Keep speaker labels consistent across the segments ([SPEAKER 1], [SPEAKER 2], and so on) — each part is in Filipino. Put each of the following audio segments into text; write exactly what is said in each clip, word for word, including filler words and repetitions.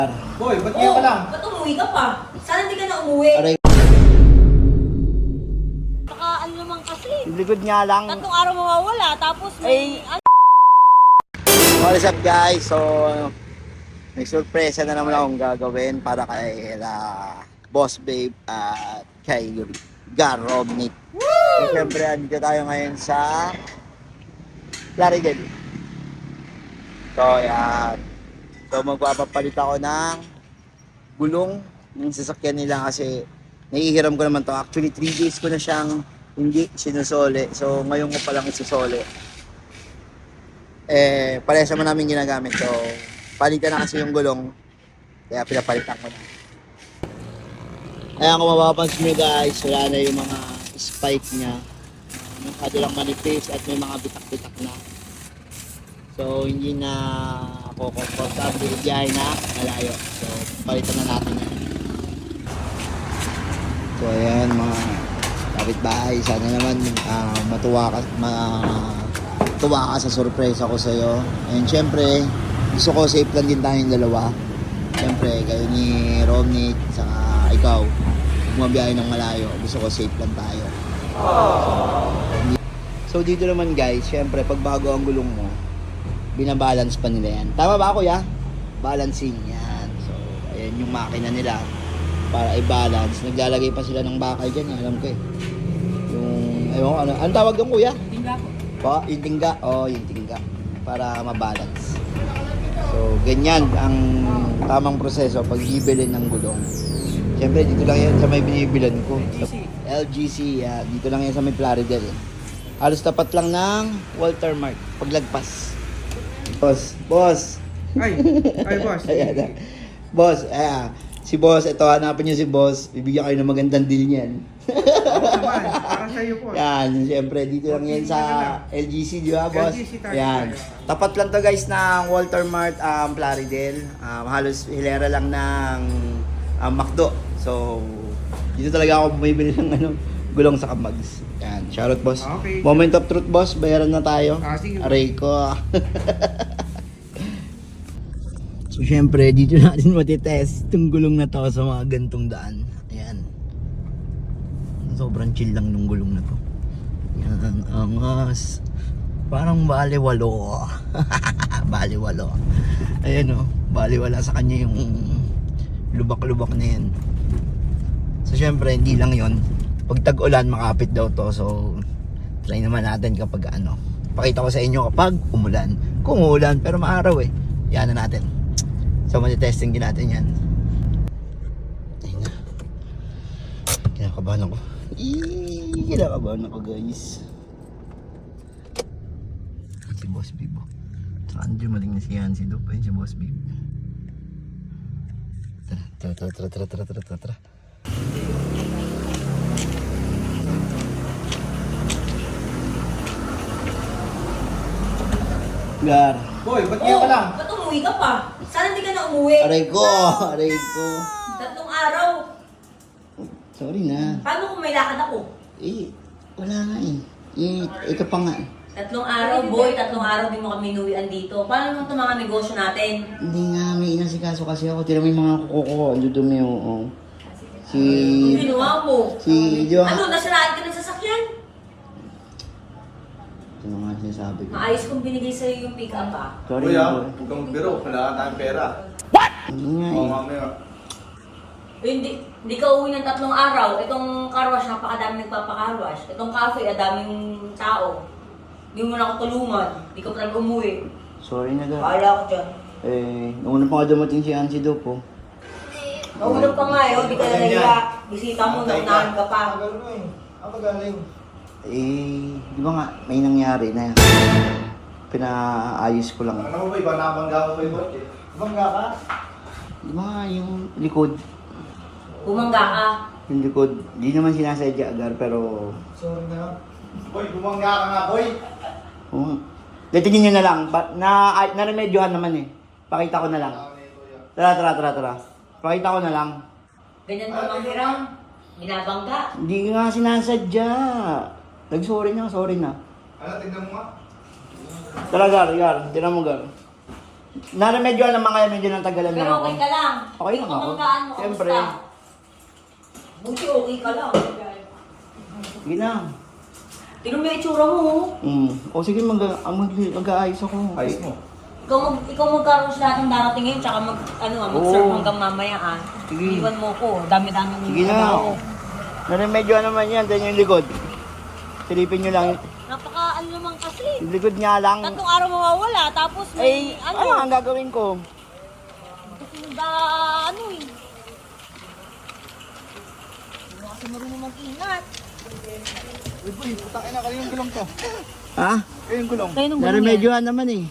[SPEAKER 1] Boy, ba't ngayon ka lang?
[SPEAKER 2] Ba't umuwi ka pa? Sana hindi ka na umuwi.
[SPEAKER 3] Aray.
[SPEAKER 2] Baka ano naman kasi.
[SPEAKER 3] Yung likod nga lang.
[SPEAKER 2] Tatlong araw mawawala, tapos may...
[SPEAKER 3] Ay. What's up guys? So, may surpresa na naman akong gagawin para kay uh, Boss Babe at kay Garobnik. So, syempre, andito tayo ngayon sa Plaridel. So, yan. So, magpapapalit ako ng gulong ng sasakyan nila kasi naihiram ko naman to. Actually, three days ko na siyang hindi sinusole. So, ngayon ko palang isusole. Eh, parehas naman namin ginagamit. So, palitan na kasi yung gulong. Kaya pinapalitan ko na. Kaya kung mapapansin nyo guys, wala na yung mga spike niya. May kadalang manipis at may mga bitak-bitak na. So, hindi na ako komportable biyahe na malayo. So, palitan na natin yan. So, ayan mga kapitbahay. Sana naman uh, matuwa ka, matuwa ka sa surprise ako sa'yo. And syempre, gusto ko safe lang din tayong dalawa. Syempre, kayo ni Romney, saka ikaw, bumabiyahe ng malayo. Gusto ko safe lang tayo. So, dito naman guys, syempre, pag bago ang gulong mo, binabalance pa nila yan. Tama ba kuya? Balancing yan. So, ayan yung makina nila para i-balance. Naglalagay pa sila ng bakal dyan. Alam ko eh. Yung, ayun, ano, anong tawag yung kuya?
[SPEAKER 2] Tingga ko.
[SPEAKER 3] Pa, yung tingga. Oo, oh, yung tingga. Para mabalance. So, ganyan ang tamang proseso pag bibili ng gulong. Siyempre, dito lang yan sa may binibilan ko. L G C. Yeah, dito lang yan sa may Plaridel. Halos tapat lang ng Walter Mart. Paglagpas. Boss, boss.
[SPEAKER 1] Ay, ay boss.
[SPEAKER 3] Ayan na. Boss, ayan. Si boss, ito hanapin niyo si boss. Bibigyan kayo ng magandang deal niyan.
[SPEAKER 1] Oo naman, para sa'yo po.
[SPEAKER 3] Yan, siyempre dito lang yan sa L G C, di ba boss?
[SPEAKER 1] L G C tayo.
[SPEAKER 3] Yan. Tapat lang to guys ng Walter Mart, um, Plaridel. Um, halos hilera lang ng um, McDo. So, dito talaga ako bumibili ng ano, gulong sa Kamags. Yan, shoutout boss.
[SPEAKER 1] Okay.
[SPEAKER 3] Moment of truth boss, bayaran na tayo.
[SPEAKER 1] Ah, sige.
[SPEAKER 3] Aray ko. So, syempre, dito natin matitest itong gulong na to sa mga gantong daan. Ayan. Sobrang chill lang nung gulong na to. Yan, angas. Parang baliwalo. Baliwalo. Ayan o, baliwala sa kanya yung lubak-lubak na yan. So, syempre, hindi lang yon. Pag tag-ulan, makapit daw to. So, try naman natin kapag ano. Pakita ko sa inyo kapag umulan. Kung umulan, pero maaraw eh. Yan na natin. So, matitesting din natin yan. Ayun na. Kinakabahan ako. Eee, kinakabahan ako guys. Si Boss Bibo. Saan dyan maling na si Yancy Dup? Ayun si Boss Bibo. Tara, tara, tara, tara, tara, tara, tara, tara. Gar.
[SPEAKER 1] Boy, ba't ngayon ka lang?
[SPEAKER 2] Ba't umuwi ka pa? Sana hindi ka na umuwi.
[SPEAKER 3] Aray ko, aray ko.
[SPEAKER 2] Tatlong araw.
[SPEAKER 3] Sorry na.
[SPEAKER 2] Paano kung may lakad ako?
[SPEAKER 3] Eh, wala nga eh. Eh, ito pa nga eh.
[SPEAKER 2] Tatlong araw, boy. Tatlong araw din mo kami inuwian dito. Paano naman itong mga negosyo natin?
[SPEAKER 3] Hindi nga, may inasikaso kasi ako. Tira mo yung mga kuko ko. Ang dudumi, oo. Si...
[SPEAKER 2] Kung ginawa mo.
[SPEAKER 3] Si... Di ba?
[SPEAKER 2] Ano, nasiraan ka ng sasakyan?
[SPEAKER 3] Ito nga sinasabi ko.
[SPEAKER 2] Maayos kong binigay sa'yo yung pick-up ah.
[SPEAKER 3] Sorry
[SPEAKER 1] Kuya,
[SPEAKER 3] na
[SPEAKER 1] huwag kang magbiro. Kailangan tayong pera.
[SPEAKER 3] Hindi nga
[SPEAKER 1] Oo,
[SPEAKER 3] eh.
[SPEAKER 1] mamaya.
[SPEAKER 2] Eh, Hindi, hindi ka uwi ng tatlong araw. Itong car wash, napakadami nagpapacar wash. Itong cafe, adaming tao. Hindi mo na ako tulungan. Hindi ka pa talaga umuwi.
[SPEAKER 3] Sorry na, Gar.
[SPEAKER 2] Bahala ko dyan.
[SPEAKER 3] Eh, nauna pa nga dumating si Ansi Dup, oh.
[SPEAKER 2] Maulog pa nga eh, hindi ka na nahiya. Bisita mo, naunahan ka pa.
[SPEAKER 1] Ako galing.
[SPEAKER 3] Eh, di ba nga, may nangyari na pinaayos ko lang.
[SPEAKER 1] Ano mo ba iba? Nabangga ko ba iba? Bangga ka?
[SPEAKER 3] Di ba nga, yung likod.
[SPEAKER 2] Bumangga ka.
[SPEAKER 3] Yung likod, di naman sinasadya, Gar, pero...
[SPEAKER 1] Sorry na. Boy, bumangga ka nga, boy.
[SPEAKER 3] Oo. Tingin nyo na lang, ba, na, ay, naremedyohan naman eh. Pakita ko na lang. Tara, tara, tara, tara. Pakita ko na lang.
[SPEAKER 2] Ganyan ka mang hiram. Binabangga.
[SPEAKER 3] Hindi nga sinasadya. Nag-sorry na, sorry na.
[SPEAKER 1] Ano, tignan mo nga.
[SPEAKER 3] Tara, Gar, Gar. Tira mo, Gar. Naramedyoan naman kaya medyo nang tagalan
[SPEAKER 2] Pero
[SPEAKER 3] lang ako.
[SPEAKER 2] okay ka lang.
[SPEAKER 3] Okay lang ako.
[SPEAKER 2] Kumanggaan mo,
[SPEAKER 3] Siyempre.
[SPEAKER 2] kamusta? Buti okay ka lang.
[SPEAKER 3] Sige na.
[SPEAKER 2] Tingnan mo yung itsura mo. oh.
[SPEAKER 3] Mm. O sige, mag, ang mag, mag-aayos ako.
[SPEAKER 1] Ayos mo.
[SPEAKER 2] Ikaw, mag, ikaw magkaroon lahat ng darating ngayon, tsaka mag, ano, ah, mag-serve
[SPEAKER 3] Oo.
[SPEAKER 2] hanggang mamaya ah.
[SPEAKER 3] Sige.
[SPEAKER 2] Iwan mo ko, dami-dami mo
[SPEAKER 3] Sige na. Naramedyoan naman yan. Diyan yung likod. Silipin nyo lang.
[SPEAKER 2] Napaka ano naman kasi.
[SPEAKER 3] Yung likod nga lang.
[SPEAKER 2] Tatlong araw mawawala, tapos may
[SPEAKER 3] Ay,
[SPEAKER 2] ano,
[SPEAKER 3] ano ang gagawin ko?
[SPEAKER 2] da, ano eh. Hindi kasi marunong mag-ingat.
[SPEAKER 1] Uy, boy, putakin na kayo yung gulong to.
[SPEAKER 3] Ha?
[SPEAKER 1] Kayo yung gulong.
[SPEAKER 2] Kayo nung
[SPEAKER 3] Naramedyoan naman eh.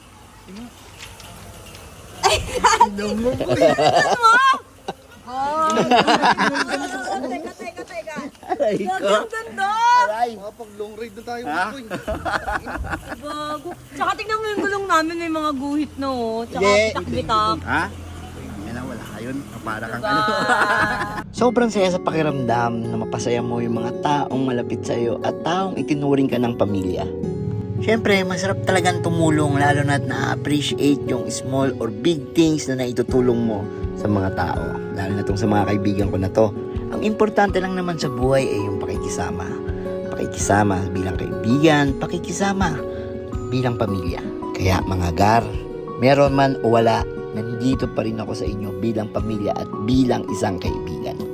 [SPEAKER 2] Oh, teka, teka, teka.
[SPEAKER 3] Aray ko.
[SPEAKER 2] Ang ganda!
[SPEAKER 3] Aray.
[SPEAKER 1] Mga pag long ride na tayo,
[SPEAKER 3] Ha?
[SPEAKER 1] boy.
[SPEAKER 2] Bago. Tsaka tignan mo yung gulong namin, may mga guhit na oh. Tsaka
[SPEAKER 3] Hindi.
[SPEAKER 2] bitak-bitak.
[SPEAKER 3] Ha? Yan na, wala yun. Para kang
[SPEAKER 2] Diba?
[SPEAKER 3] ano. Sobrang saya sa pakiramdam na mapasaya mo yung mga taong malapit sa iyo at taong itinuring ka ng pamilya. Siyempre, masarap talagang tumulong lalo na't na-appreciate yung small or big things na naitutulong mo sa mga tao. Lalo na tong sa mga kaibigan ko na to. Ang importante lang naman sa buhay ay yung pakikisama. Pakikisama bilang kaibigan, pakikisama bilang pamilya. Kaya mga gar, meron man o wala, nandito pa rin ako sa inyo bilang pamilya at bilang isang kaibigan.